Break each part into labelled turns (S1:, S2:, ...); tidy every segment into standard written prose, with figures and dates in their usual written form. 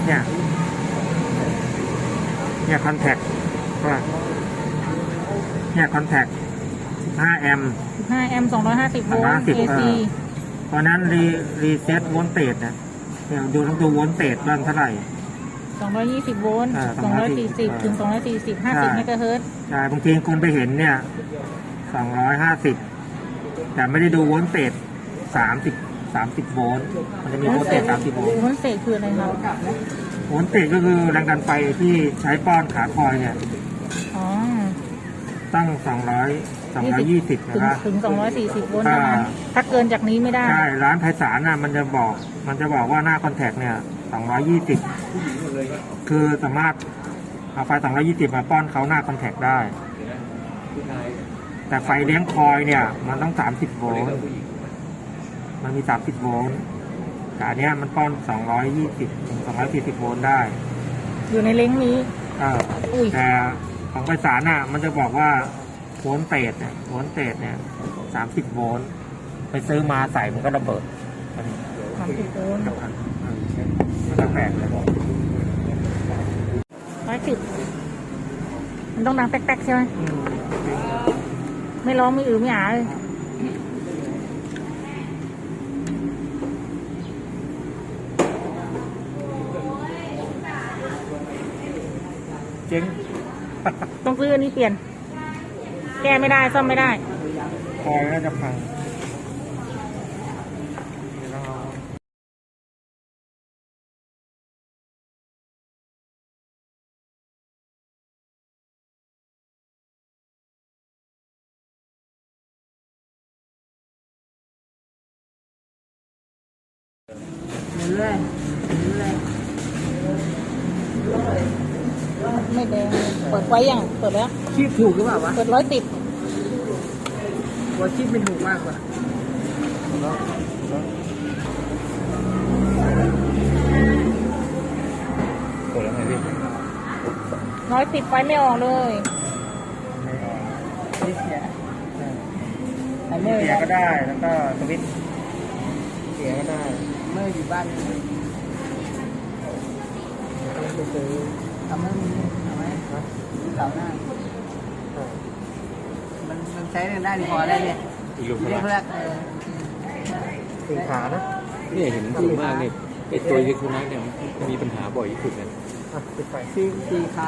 S1: เนี่ยคอนแทคว่าเนี่ยคอนแทค15 แอมป์
S2: 15 แอมป์250 โวลต์ AC
S1: เพราะนั้นรีเซ็ตโวลต์เตจเนี่ยต้องดูโวลต์เตจบ้างเท่าไหร่
S2: 220 โวลต์240 ถึง 240 50 เมกะเฮิรตซ์
S1: ใช่บางทีคนไปเห็นเนี่ย250แต่ไม่ได้ดูโวลต์เตจ30 โวลต์มันจะมีโวลต์เตจ30 โวลต์
S2: โวลต์เตจคืออะไรครับ
S1: โวลต์เตจก็คือแรงดันไฟที่ใช้ป้อนขาคอยเนี่ยตั้ง220นะครับ
S2: ถึง240 โวลต์เท่านั้นถ้าเกินจากนี้ไม่ได้
S1: ใช่ร้านไพศาลน่ะมันจะบอกว่าหน้าคอนแทคเนี่ย220คือสามารถเอาไฟ220มาป้อนเขาหน้าคอนแทคได้แต่ไฟเลี้ยงคอยเนี่ยมันต้อง30 โวลต์มันมี30 โวลต์แต่อันเนี้ยมันป้อน220ถึง240 โวลต์ได้
S2: อยู่ในเล้งนี้
S1: แต่ของไพศาลน่ะมันจะบอกว่าโวลต์เตจเนี่ย30 โวลต์ไปซื้อมาใส่มันก็ระเบิด
S2: 30 โวลต์
S1: มันก็แตกเลย
S2: 110มันต้องดังแป๊กๆใช่ไหมไม่ร้องไม่ไม่อาเลย
S1: เจ๊ง
S2: ต้องซื้ออันนี้เปลี่ยนแก้ไม่ได้ซ่อมไม่ได้
S1: คอยน่าจะพัง
S2: เรื่อยไม่แดงเปิดไว้ยังเปิดแล้ว
S1: ชีพถูกหรือเปล่าวะ
S2: เปิด110
S1: ว่าชีพไม่ถูกมากกว่าเปิดแล้วไงพี่
S2: 110ไฟไม่ออกเลย
S1: เสียก็ได้แล้วก็สวิตช์เสียก็ได้
S2: เมื่ออยู่บ้านต้องไปซื้อทำให้มันเอาไหมเสาหน้ามันใช้ได้ดีพอแล้วเนี่ยเรียกแรก
S1: สี่ขานะ
S3: เนี่ยเห็นส่วนมากเนี่ยไอ้ตัวอิเล็กทรอนิกส์เนี่ยมีปัญหาบ่อยที่สุดเลย
S1: ปิดไฟ
S2: สี่ขา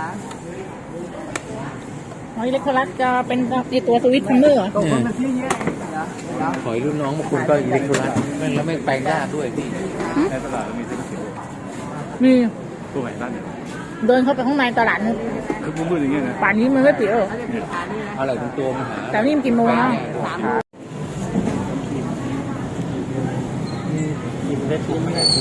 S2: อิเล็กทรอนิกส์จะเป็นตัวสวิตช์ทัมเมอร์เหรอ
S1: คนมันที่เยอะ
S3: ขอยรุ่นน้องบางคนก็อิเล็กทรอนิกส์แล้วไม่แปลงยากด้วยพี่
S1: ในตลาดมีเซ็นเซอร์
S2: มี
S1: ตัวไหนบ้างเนี่ย
S2: เดินเข้าไปข้างในตลาด
S1: คือมืดอย่างเงี้ยนะ
S2: ป่านนี้มันไม่ปิดหรอ
S3: อะไรทั้งตัวมาหา
S2: แต่นี่มันกี่โมงแล้ว
S1: กินได้ทุกเมื่อ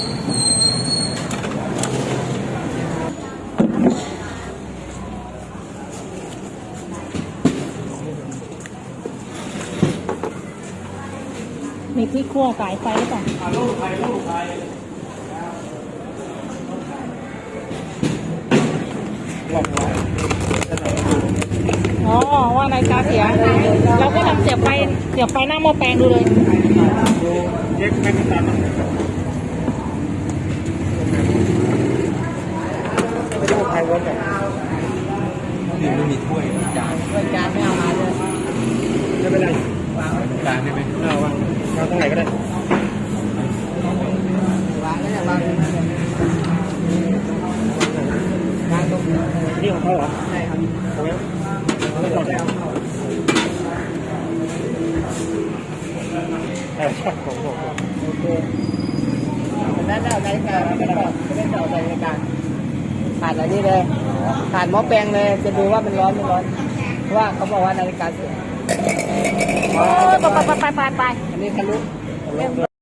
S2: มีที่คั่วสายไฟหรือเปล่าอ๋อว่านาฬิกาเสียเราก็ลองเสียบไฟหน้าหม้อแปลงดูเลย
S1: เช็คไม่ตันไม่ได้ใครวัดแบบ
S3: นี่ไม่มีถ้วยจาน
S2: ไม่เอามาเลย
S1: ไม่เป็นไร
S3: วางไว้ตรงกลางได้ไหม
S1: วางตรงไหนก็ได้
S2: วางแล้ววางตรง
S1: นี่ของเขาเหรอ
S2: ใช่ครับ
S1: โอ้ยไม่จอดแล้วชอบของผม
S2: โอเคนั่นเอานาฬิกาไม่ได้ต่อนาฬิกาผ่านอะไรนี่เลยผ่านหม้อแปลงเลยจะดูว่ามันร้อนไม่ร้อนเพราะว่าเขาบอกว่านาฬิกาเสียไปอันนี้ทะลุ